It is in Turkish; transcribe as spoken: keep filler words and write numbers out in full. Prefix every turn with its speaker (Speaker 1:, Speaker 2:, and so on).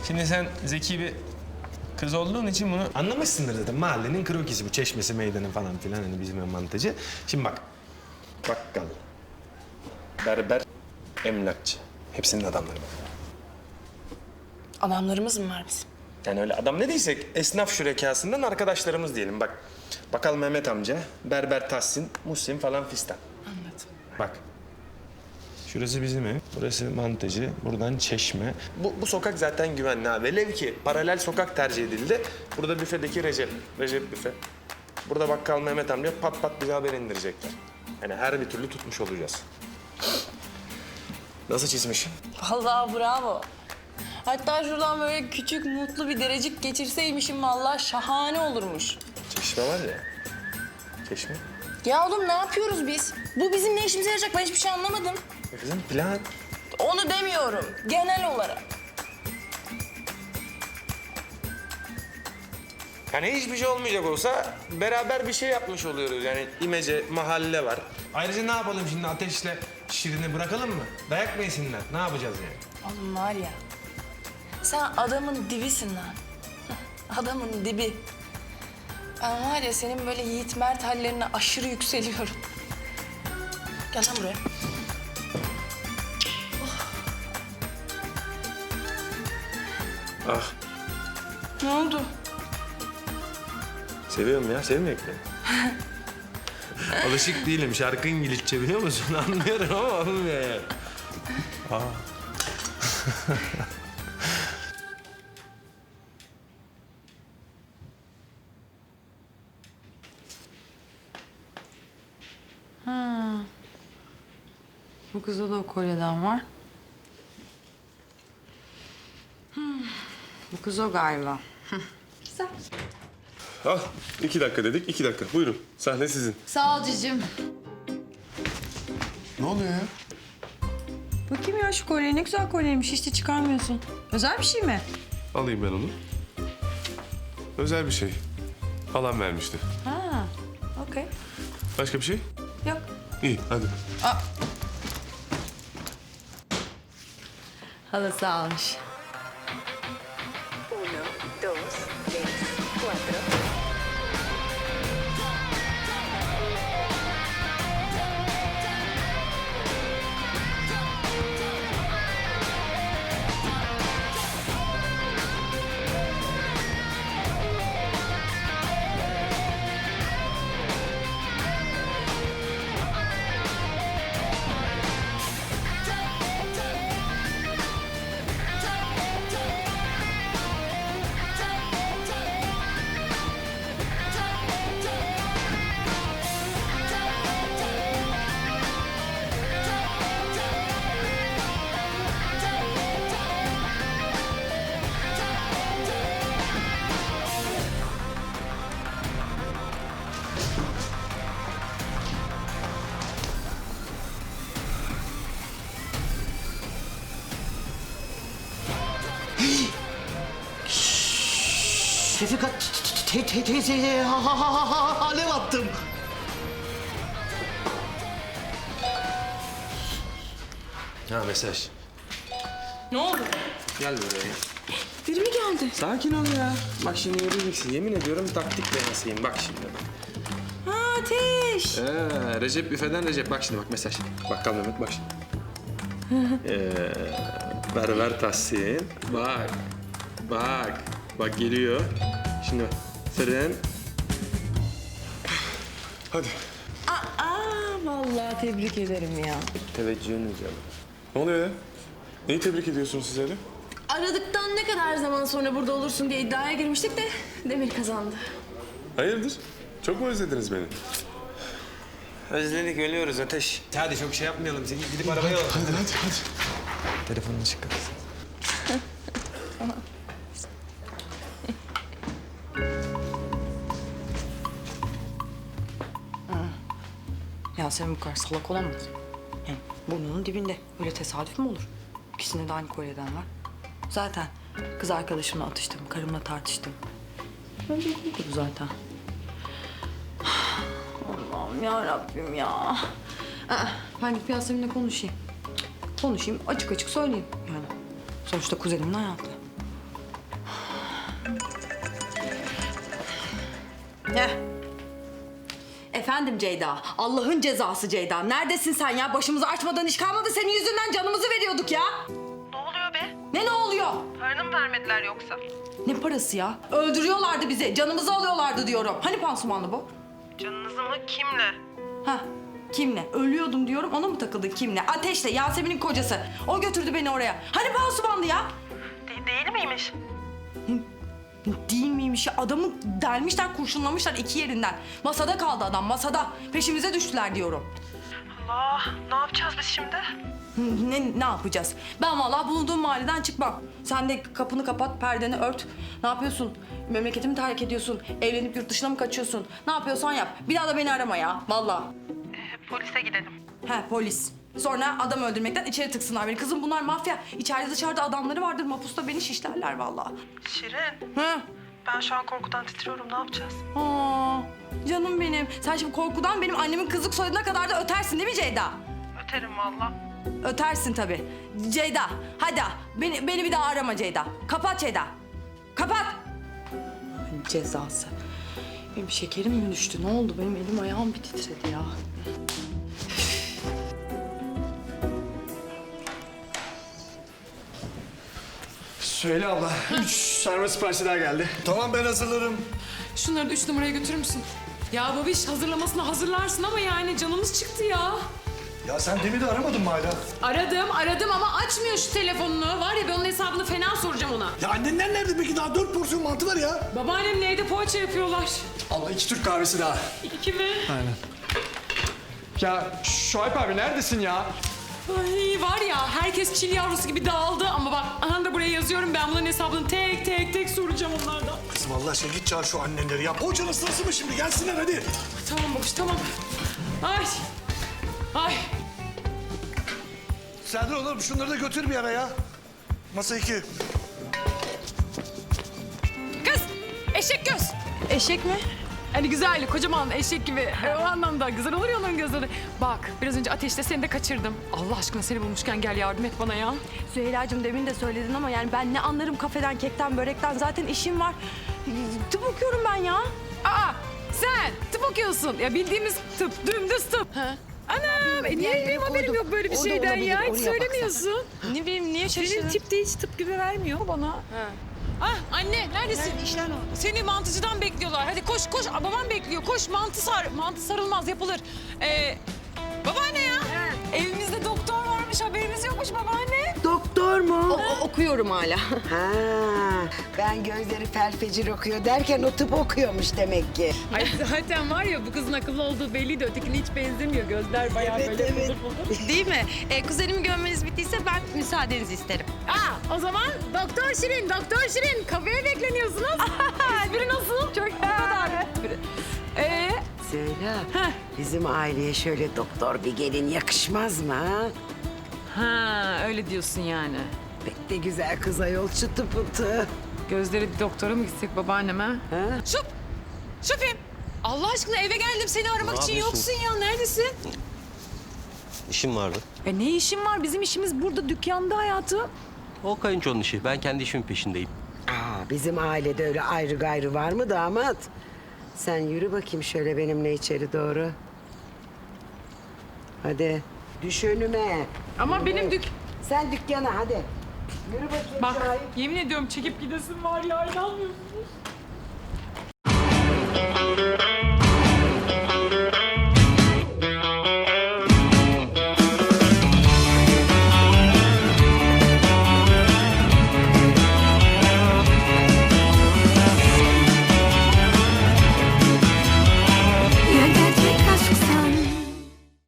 Speaker 1: Şimdi sen zeki bir kız olduğun için bunu anlamışsındır zaten. Mahallenin krokisi bu, çeşmesi, meydanı falan filan, hani bizim mantıcı. Şimdi bak, bakkal, berber, emlakçı. Hepsinin adamları var.
Speaker 2: Adamlarımız mı var bizim?
Speaker 1: Yani öyle adam ne diysek, esnaf şürekasından arkadaşlarımız diyelim. Bak, bakkal Mehmet amca, berber Tahsin, Muhsin falan fistan.
Speaker 2: Anladım.
Speaker 1: Bak, şurası bizim ev, burası mantıcı, buradan çeşme. Bu, bu sokak zaten güvenli ha. Velev ki paralel sokak tercih edildi. Burada büfedeki Recep, Recep büfe. Burada bakkal Mehmet amca pat pat bize haber indirecekler. Yani her bir türlü tutmuş olacağız. Nasıl çizmişim?
Speaker 2: Vallahi bravo. Hatta şuradan böyle küçük mutlu bir derecik geçirseymişim vallahi şahane olurmuş.
Speaker 1: Çeşme var ya, çeşme.
Speaker 2: Ya oğlum ne yapıyoruz biz? Bu bizim ne işimize yarayacak? Ben hiçbir şey anlamadım.
Speaker 1: E kızım plan.
Speaker 2: Onu demiyorum. Genel olarak.
Speaker 1: Yani hiçbir şey olmayacak olsa beraber bir şey yapmış oluyoruz. Yani imece, mahalle var. Ayrıca ne yapalım şimdi, Ateş'le Şirin'i bırakalım mı? Dayak mı yesinler? Ne yapacağız yani?
Speaker 2: Oğlum var ya. Sen adamın dibisin lan. Adamın dibi. Ben var ya senin böyle Yiğit Mert hallerine aşırı yükseliyorum. Gel lan buraya.
Speaker 1: Ah,
Speaker 2: Ne oldu?
Speaker 1: seviyorum ya, sevmeyek mi? Alışık değilim, şarkı İngilizce biliyor musun? Anlıyorum ama olmuyor yani. Aa.
Speaker 3: Bu kızda da o kolyeden var. Hmm. Bu kız o galiba. Güzel.
Speaker 4: Al, iki dakika dedik, iki dakika. Buyurun, sahne sizin.
Speaker 3: Sağ ol cicim.
Speaker 4: Ne oluyor ya?
Speaker 3: Bakayım ya şu kolye ne güzel kolyeymiş. Hiç de çıkarmıyorsun. Özel bir şey mi?
Speaker 4: Alayım ben onu. Özel bir şey. Halam vermişti.
Speaker 3: Ha, okey.
Speaker 4: Başka bir şey?
Speaker 3: Yok.
Speaker 4: İyi, hadi.
Speaker 3: Halası almış.
Speaker 5: Uno, dos, tres, cuatro.
Speaker 6: Şefika te te teyzeye ha ha ha ha ha alev attım.
Speaker 1: Ha, mesaj.
Speaker 2: Ne oldu?
Speaker 1: Gel buraya.
Speaker 2: Biri mi geldi?
Speaker 1: Sakin ol ya. Bak şimdi göreceksin. Yemin ediyorum taktik denesiyim. Bak şimdi.
Speaker 2: Ha Ateş.
Speaker 1: Ee, Recep büfeden Recep. Bak şimdi bak mesaj. Bakkal Mehmet bak şimdi. ee, berber Tahsin. Bak. Bak. Bak geliyor. Şimdi bak. Fren.
Speaker 4: Hadi.
Speaker 2: Aa vallahi tebrik ederim ya.
Speaker 1: Teveccühünüz ya.
Speaker 4: Ne oluyor ya? Neyi tebrik ediyorsunuz siz öyle?
Speaker 2: Aradıktan ne kadar zaman sonra burada olursun diye iddiaya girmiştik de Demir kazandı.
Speaker 4: Hayırdır? Çok mu özlediniz beni?
Speaker 1: Özledik, ölüyoruz Ateş. Hadi çok şey yapmayalım. Seni gidip arabaya alalım.
Speaker 4: Hadi, hadi, hadi.
Speaker 1: Telefonunu çıkar.
Speaker 3: Yasemin bu kadar salak olamaz. Yani burnunun dibinde. Öyle tesadüf mü olur? İkisinde de aynı kolyeden var. Zaten kız arkadaşımla atıştım, karımla tartıştım. Önce bu zaten. Allah'ım ya Rabbim ya. Aa, ben gidip Yasemin'le konuşayım. Konuşayım, açık açık söyleyeyim yani. Sonuçta kuzenimin hayatı. Efendim Ceyda. Allah'ın cezası Ceyda. Neredesin sen ya? Başımızı açmadan iş kalmadı. Senin yüzünden canımızı veriyorduk ya.
Speaker 7: Ne oluyor be?
Speaker 3: Ne ne oluyor?
Speaker 7: Paranı mı vermediler yoksa?
Speaker 3: Ne parası ya? Öldürüyorlardı bizi. Canımızı alıyorlardı diyorum. Hani pansumanlı bu?
Speaker 7: Canınızı mı? Kimle?
Speaker 3: Ha, kimle? Ölüyordum diyorum, ona mı takıldın kimle? Ateşle, Yasemin'in kocası. O götürdü beni oraya. Hani pansumanlı ya?
Speaker 7: De- değil miymiş?
Speaker 3: Değil miymiş ya? Adamı delmişler, kurşunlamışlar iki yerinden. Masada kaldı adam, masada. Peşimize düştüler diyorum.
Speaker 7: Allah, ne yapacağız biz şimdi?
Speaker 3: Ne, ne yapacağız? Ben vallahi bulunduğum mahalleden çıkmam. Sen de kapını kapat, perdeni ört. Ne yapıyorsun? Memleketimi terk ediyorsun. Evlenip yurt dışına mı kaçıyorsun? Ne yapıyorsan yap. Bir daha da beni arama ya, vallahi.
Speaker 7: Ee, polise gidelim.
Speaker 3: He, polis. Sonra adam öldürmekten içeri tıksınlar beni. Kızım bunlar mafya. İçeride dışarıda adamları vardır. Mapusta beni şişlerler vallahi.
Speaker 7: Şirin,
Speaker 3: He.
Speaker 7: ben şu an korkudan titriyorum. Ne yapacağız?
Speaker 3: Aa, canım benim. Sen şimdi korkudan benim annemin kızlık soyadına kadar da ötersin değil mi Ceyda?
Speaker 7: Öterim valla.
Speaker 3: Ötersin tabii. Ceyda, hadi beni, beni bir daha arama Ceyda. Kapat Ceyda. Kapat. Cezası. Benim şekerim mi düştü? Ne oldu? Benim elim ayağım bir titredi ya.
Speaker 8: Söyle abla. Üç sarma siparişi daha geldi.
Speaker 9: Tamam ben hazırlarım.
Speaker 10: Şunları da üç numaraya götürür müsün? Ya babiş hazırlamasını hazırlarsın ama yani canımız çıktı ya.
Speaker 9: Ya sen Demir'i de aramadın mı hala?
Speaker 10: Aradım aradım ama açmıyor şu telefonunu. Var ya ben onun hesabını fena soracağım ona.
Speaker 9: Ya annenler nerede peki? Daha dört porsiyon mantı var ya.
Speaker 10: Babaannemle evde poğaça yapıyorlar.
Speaker 8: Abla iki Türk kahvesi daha.
Speaker 10: İki mi?
Speaker 8: Aynen. Ya Şuayb abi neredesin ya?
Speaker 10: Ay var ya herkes çil yavrusu gibi dağıldı ama bak aha da buraya yazıyorum ben bunların hesabını tek tek tek soracağım onlardan.
Speaker 9: Kız vallahi şey git çağır şu annenleri ya. Poğaçanın sırası mı şimdi? Gelsinler hadi.
Speaker 10: Tamam babiş tamam. Ay. Ay.
Speaker 9: Serdar oğlum şunları da götür bir ara ya. Masa iki.
Speaker 10: Kız eşek göz.
Speaker 3: Eşek mi?
Speaker 10: Hani güzel, kocaman eşek gibi. E, o anlamda güzel olur ya onun gözleri. Bak, biraz önce ateşte seni de kaçırdım. Allah aşkına seni bulmuşken gel yardım et bana ya.
Speaker 3: Süheyla'cığım demin de söyledin ama yani ben ne anlarım kafeden, kekten, börekten. Zaten işim var. Tıp okuyorum ben ya.
Speaker 10: Aa, sen tıp okuyorsun. Ya bildiğimiz tıp, dümdüz tıp. Ha? Anam, e, niye benim haberim yok böyle bir şeyden ya? Hiç söylemiyorsun.
Speaker 3: Ne bileyim, niye
Speaker 10: Senin
Speaker 3: şaşırdın?
Speaker 10: tip de hiç tıp gibi vermiyor bana. Ah anne neredesin? İşler Seni mantıcıdan bekliyorlar. Hadi koş koş. Aa, babam bekliyor. Koş mantı sar. Mantı sarılmaz yapılır. Ee, babaanne ya. Evimizde doktor varmış haberimiz yokmuş babaanne.
Speaker 11: Doktor mu?
Speaker 3: okuyorum hala.
Speaker 11: Ha, ben gözleri felfecir okuyor derken o tıp okuyormuş demek ki.
Speaker 10: Ay zaten var ya bu kızın akıllı olduğu belliydi. Ötekine hiç benzemiyor. Gözler bayağı
Speaker 11: Evet,
Speaker 10: böyle
Speaker 11: evet.
Speaker 10: bulur bulur.
Speaker 3: Değil mi? Ee, kuzenimi görmeniz bittiyse ben müsaadenizi isterim.
Speaker 10: Aa, o zaman Doktor Şirin, Doktor Şirin kafeye bekleniyorsunuz. Espri nasıl? Çok bu kadar. Ee,
Speaker 11: Söyle, bizim aileye şöyle doktor bir gelin yakışmaz mı ha?
Speaker 10: ha öyle diyorsun yani.
Speaker 11: Pek de güzel kız ayol çıtı pıtı.
Speaker 10: Gözleri bir doktora mı gitsek babaanneme?
Speaker 11: Ha?
Speaker 10: Şup! Şupim! Allah aşkına eve geldim seni aramak için yoksun ya. Neredesin?
Speaker 12: İşim vardı.
Speaker 10: E ne işin var? Bizim işimiz burada dükkanda hayatım.
Speaker 12: O kayınçonun işi. Ben kendi işimin peşindeyim.
Speaker 11: Aa, bizim ailede öyle ayrı gayrı var mı damat? Sen yürü bakayım şöyle benimle içeri doğru. Hadi düş önüme.
Speaker 10: Ama benim dük...
Speaker 11: Sen dükkana hadi. Yürü bakayım
Speaker 10: Bak
Speaker 11: Şahip.
Speaker 10: yemin ediyorum çekip gidesin var ya inanmıyorsunuz.